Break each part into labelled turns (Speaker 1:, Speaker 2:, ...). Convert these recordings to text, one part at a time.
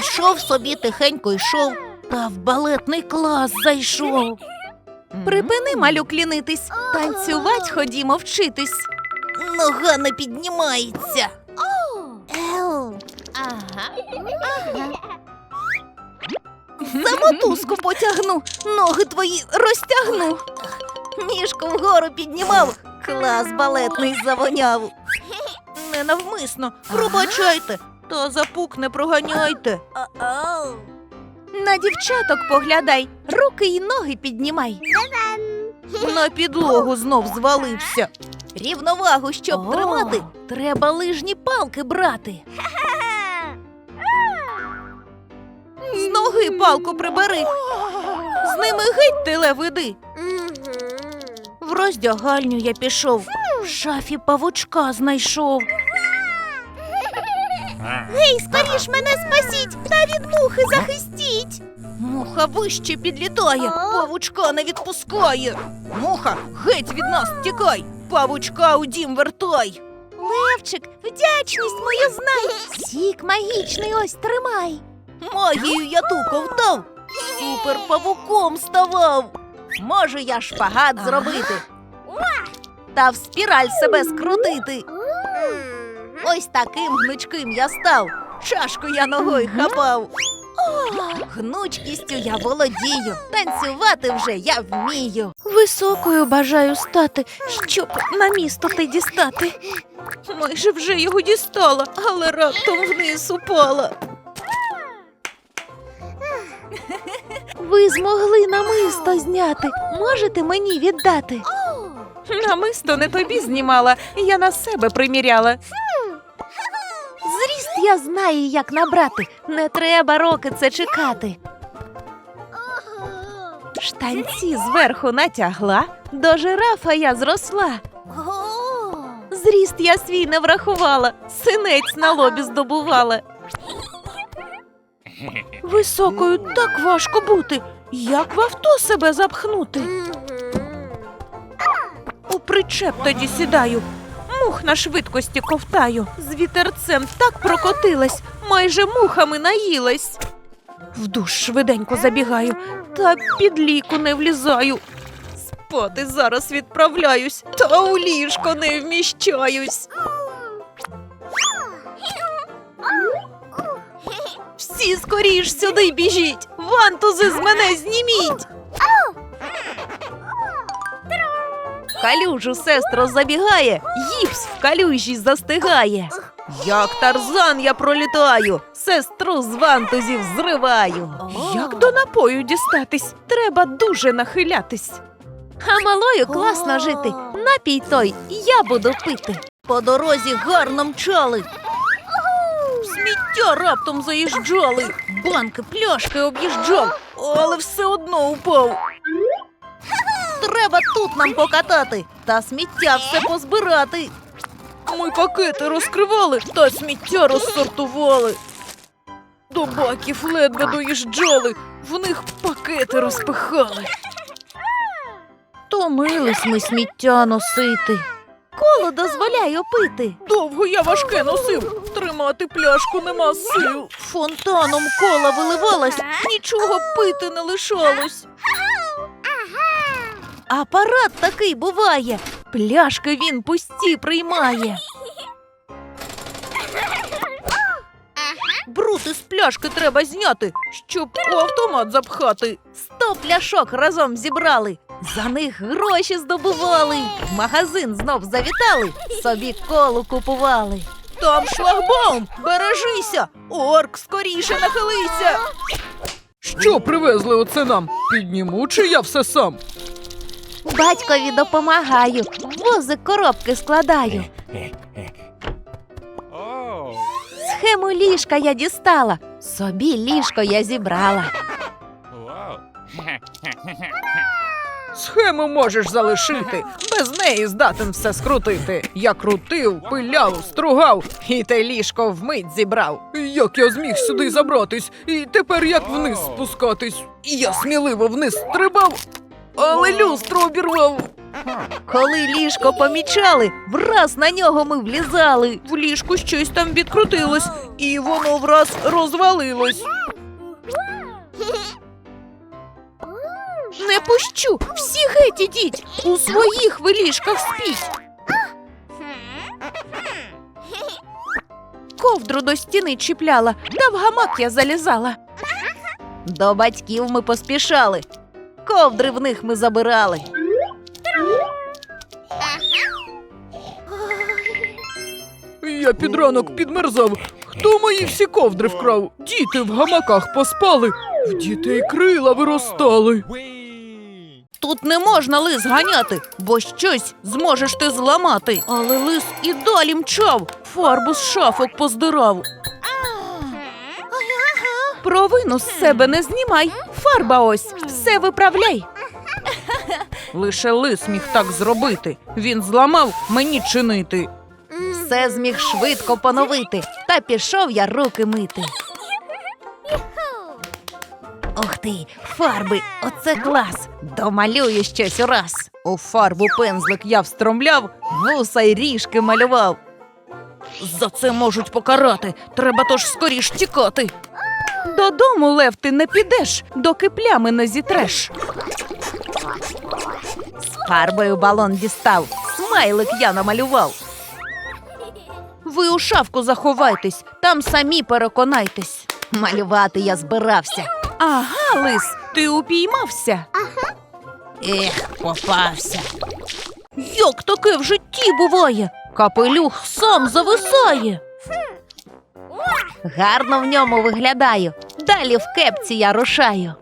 Speaker 1: Йшов собі, тихенько йшов, та в балетний клас зайшов.
Speaker 2: Припини, малюк, лінитись, танцювать ходімо вчитись.
Speaker 1: Нога не піднімається.
Speaker 2: За мотузку потягну, ноги твої розтягну.
Speaker 1: Ніжку вгору піднімав, клас балетний завоняв. Ненавмисно, пробачайте, та запук не проганяйте.
Speaker 2: На дівчаток поглядай, руки й ноги піднімай.
Speaker 1: На підлогу знов звалився. Рівновагу, щоб тримати, треба лижні палки брати. З ноги палку прибери, з ними геть теле веди. В роздягальню я пішов, в шафі павучка знайшов.
Speaker 2: Гей, скоріш мене спасіть та від мухи захистіть.
Speaker 1: Муха вище підлітає, павучка не відпускає. Муха, геть від нас тікай, павучка у дім вертай.
Speaker 2: Левчик, вдячність мою знай, сік магічний ось тримай.
Speaker 1: Магію я ту ковтав, супер павуком ставав. Можу я шпагат зробити та в спіраль себе скрутити. Ось таким гнучким я став, чашку я ногою хапав. Гнучкістю я володію, танцювати вже я вмію.
Speaker 2: Високою бажаю стати, щоб на місто ти дістати.
Speaker 1: Майже вже його дістала, але раптом вниз упала.
Speaker 2: Ви змогли намисто зняти, можете мені віддати? Намисто не тобі знімала, я на себе приміряла. Зріст я знаю, як набрати, не треба роки це чекати. Штанці зверху натягла, до жирафа я зросла. Зріст я свій не врахувала, синець на лобі здобувала. Високою так важко бути, як в авто себе запхнути. У причеп тоді сідаю, мух на швидкості ковтаю. З вітерцем так прокотилась, майже мухами наїлась. В душ швиденько забігаю, та під ліку не влізаю. Спати зараз відправляюсь, та у ліжко не вміщаюсь. Всі скоріш сюди біжіть, вантузи з мене зніміть. В калюжу сестро забігає, гіпс в калюжі застигає. Як Тарзан я пролітаю, сестру з вантузів зриваю. Як до напою дістатись, треба дуже нахилятись. А малою класно жити, напій той я буду пити.
Speaker 1: По дорозі гарно мчали, сміття раптом заїжджали, банки, пляшки об'їжджав, але все одно упав. Треба тут нам покатати та сміття все позбирати. Ми пакети розкривали та сміття розсортували. До баків ледве доїжджали, в них пакети розпихали. Томились ми сміття носити.
Speaker 2: Коло дозволяю пити.
Speaker 1: Довго я важке носив, тримати пляшку нема сил. Фонтаном кола виливалась, нічого пити не лишалось. Апарат такий буває, пляшки він пусті приймає. Бруд із пляшки треба зняти, щоб у автомат запхати. 100 пляшок разом зібрали, за них гроші здобували. В магазин знов завітали, собі колу купували. Там шлагбаум, бережися, орк, скоріше нахилися.
Speaker 3: Що привезли оце нам? Підніму, чи я все сам?
Speaker 2: Батькові допомагаю, в возик коробки складаю. Схему ліжка я дістала, собі ліжко я зібрала.
Speaker 3: Схему можеш залишити, без неї здатен все скрутити. Я крутив, пиляв, стругав, і те ліжко вмить зібрав. Як я зміг сюди забратись, і тепер як вниз спускатись? Я сміливо вниз стрибав, але люстру обірвав.
Speaker 2: Коли ліжко помічали, враз на нього ми влізали. В ліжку щось там відкрутилось, і воно враз розвалилось.
Speaker 1: Не пущу! Всі геть ідіть! У своїх ви ліжках спіть! Ковдру до стіни чіпляла, та в гамак я залізала.
Speaker 2: До батьків ми поспішали, ковдри в них ми забирали.
Speaker 3: Я під ранок підмерзав. Хто мої всі ковдри вкрав? Діти в гамаках поспали, в дітей крила виростали.
Speaker 1: Тут не можна лис ганяти, бо щось зможеш ти зламати. Але лис і далі мчав, фарбу з шафок поздирав. Провину з себе не знімай, фарба ось, все виправляй.
Speaker 3: Лише лис міг так зробити. Він зламав мені чинити.
Speaker 2: Все зміг швидко поновити, та пішов я руки мити. Ух ти, фарби, оце клас! Домалюю щось ураз. У фарбу пензлик я встромляв, вуса й ріжки малював.
Speaker 1: За це можуть покарати, треба тож скоріш тікати.
Speaker 2: Додому, Лев, ти не підеш, доки плями не зітреш. З фарбою балон дістав, смайлик я намалював.
Speaker 1: Ви у шафку заховайтесь, там самі переконайтесь.
Speaker 2: Малювати я збирався.
Speaker 1: Ага, лис, ти упіймався.
Speaker 2: Ех, попався.
Speaker 1: Як таке в житті буває? Капелюх сам зависає.
Speaker 2: Гарно в ньому виглядаю, далі в кепці я рушаю.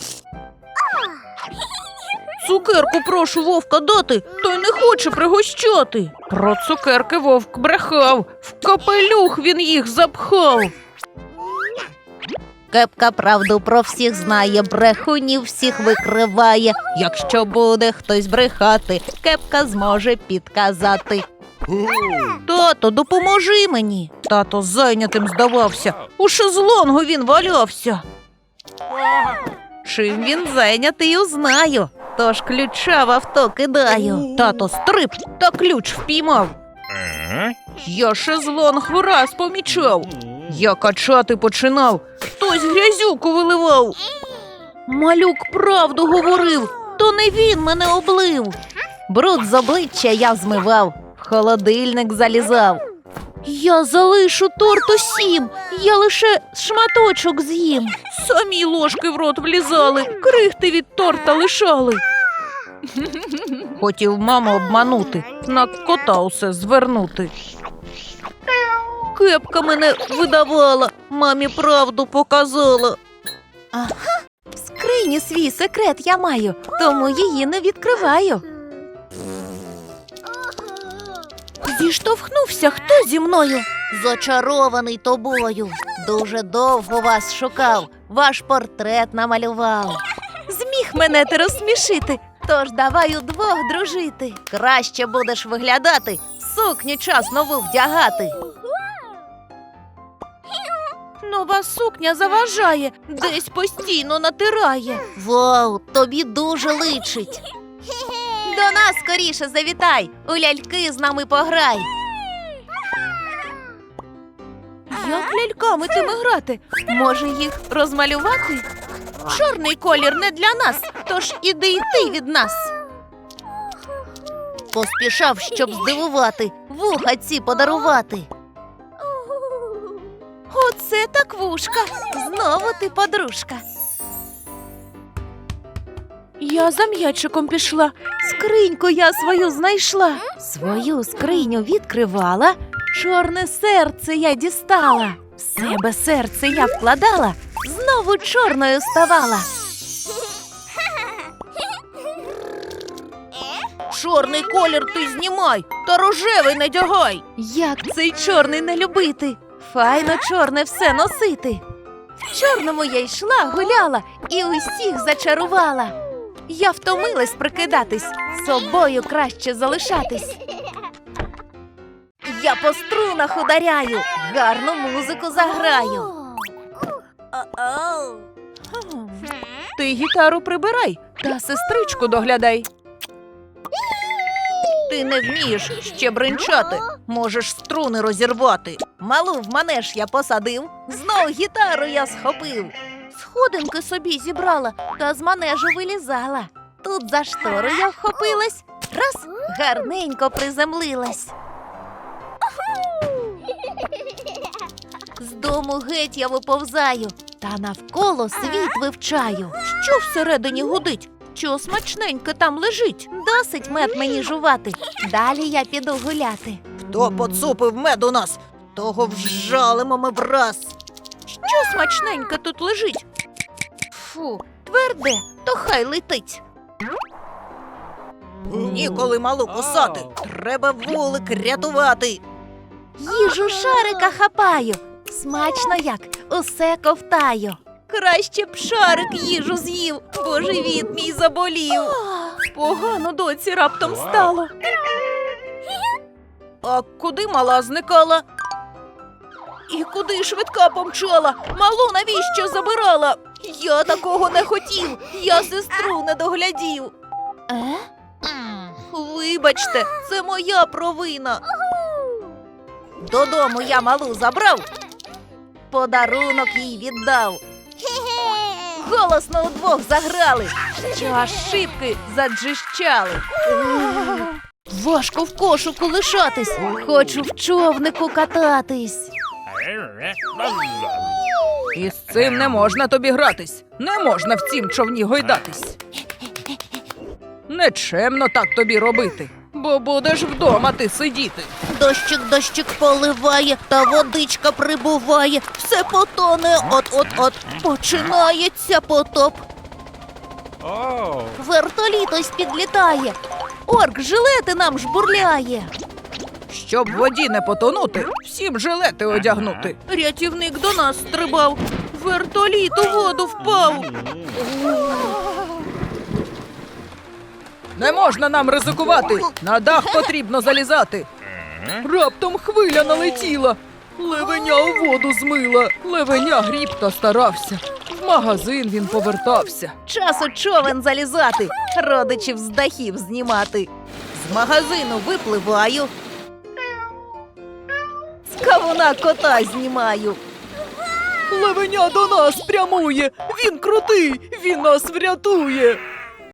Speaker 1: Цукерку прошу вовка дати, той не хоче пригощати.
Speaker 3: Про цукерки вовк брехав, в капелюх він їх запхав.
Speaker 2: Кепка правду про всіх знає, брехунів всіх викриває. Якщо буде хтось брехати, кепка зможе підказати.
Speaker 1: Тато, допоможи мені. Тато зайнятим здавався, у шезлонгу він валявся.
Speaker 2: Чим він зайнятий, узнаю, тож ключа в авто кидаю.
Speaker 1: Тато стрип та ключ впіймав. Я шезлонг враз помічав. Я качати починав, хтось грязюку виливав. Малюк правду говорив, то не він мене облив.
Speaker 2: Бруд з обличчя я змивав, в холодильник залізав.
Speaker 1: Я залишу торт усім, я лише шматочок з'їм. Самі ложки в рот влізали, крихти від торта лишали.
Speaker 3: Хотів маму обманути, на кота усе звернути.
Speaker 1: Кепка мене видавала, мамі правду показала.
Speaker 2: В скрині свій секрет я маю, тому її не відкриваю.
Speaker 1: Зіштовхнувся хто зі мною?
Speaker 2: Зачарований тобою, дуже довго вас шукав, ваш портрет намалював. Зміг мене ти розсмішити, тож давай удвох дружити. Краще будеш виглядати, сукню час нову вдягати.
Speaker 1: Нова сукня заважає, десь постійно натирає.
Speaker 2: Вау, тобі дуже личить. До нас скоріше завітай, у ляльки з нами пограй.
Speaker 1: Як ляльками тими грати?
Speaker 2: Може їх розмалювати?
Speaker 1: Чорний колір не для нас, тож іди й ти від нас.
Speaker 2: Поспішав, щоб здивувати, вуха ці подарувати.
Speaker 1: Оце так вушка.
Speaker 2: Знову ти подружка.
Speaker 1: Я за м'ячиком пішла, скриньку я свою знайшла.
Speaker 2: Свою скриню відкривала, чорне серце я дістала. В себе серце я вкладала, знову чорною ставала.
Speaker 1: Чорний колір ти знімай, та рожевий надягай.
Speaker 2: Як цей чорний не любити, файно чорне все носити. В чорному я йшла, гуляла і усіх зачарувала. Я втомилась прикидатись, собою краще залишатись. Я по струнах ударяю, гарну музику заграю.
Speaker 1: Ти гітару прибирай та сестричку доглядай. Ти не вмієш ще бринчати, можеш струни розірвати. Малу в манеж я посадив, знов гітару я схопив. Сходинки собі зібрала та з манежу вилізала. Тут за штору я вхопилась, раз, гарненько приземлилась. З дому геть я виповзаю, та навколо світ вивчаю. Що всередині гудить? Що смачненьке там лежить? Досить мед мені жувати. Далі я піду гуляти. Хто поцупив мед у нас, того вжалимо ми враз. Що смачненьке тут лежить? Фу, тверде, то хай летить. Ніколи малу кусати, треба вулик рятувати. Їжу шарика хапаю, смачно як, усе ковтаю. Краще б шарик їжу з'їв, бо живіт мій заболів. Погано доці раптом стало. А куди мала зникала? І куди швидка помчала? Малу навіщо забирала? Я такого не хотів, я сестру не доглядів. Вибачте, це моя провина. Додому я малу забрав, подарунок їй віддав. Голосно удвох заграли, що аж шибки заджищали. Важко в кошику лишатись, хочу в човнику кататись.
Speaker 3: І з цим не можна тобі гратись. Не можна в цім човні гойдатись. Нечемно так тобі робити, бо будеш вдома ти сидіти.
Speaker 1: Дощик поливає, та водичка прибуває. Все потоне, от-от-от. Починається потоп. Вертоліт ось підлітає. Орк жилети нам жбурляє.
Speaker 3: Щоб в воді не потонути, всім жилети одягнути.
Speaker 1: Рятівник до нас стрибав. Вертоліт у воду впав.
Speaker 3: Не можна нам ризикувати, на дах потрібно залізати. Раптом хвиля налетіла, левеня у воду змила. Левеня гріб та старався, в магазин він повертався.
Speaker 1: Час у човен залізати, родичів з дахів знімати. З магазину випливаю, з кавуна кота знімаю.
Speaker 3: Левеня до нас прямує, він крутий, він нас врятує.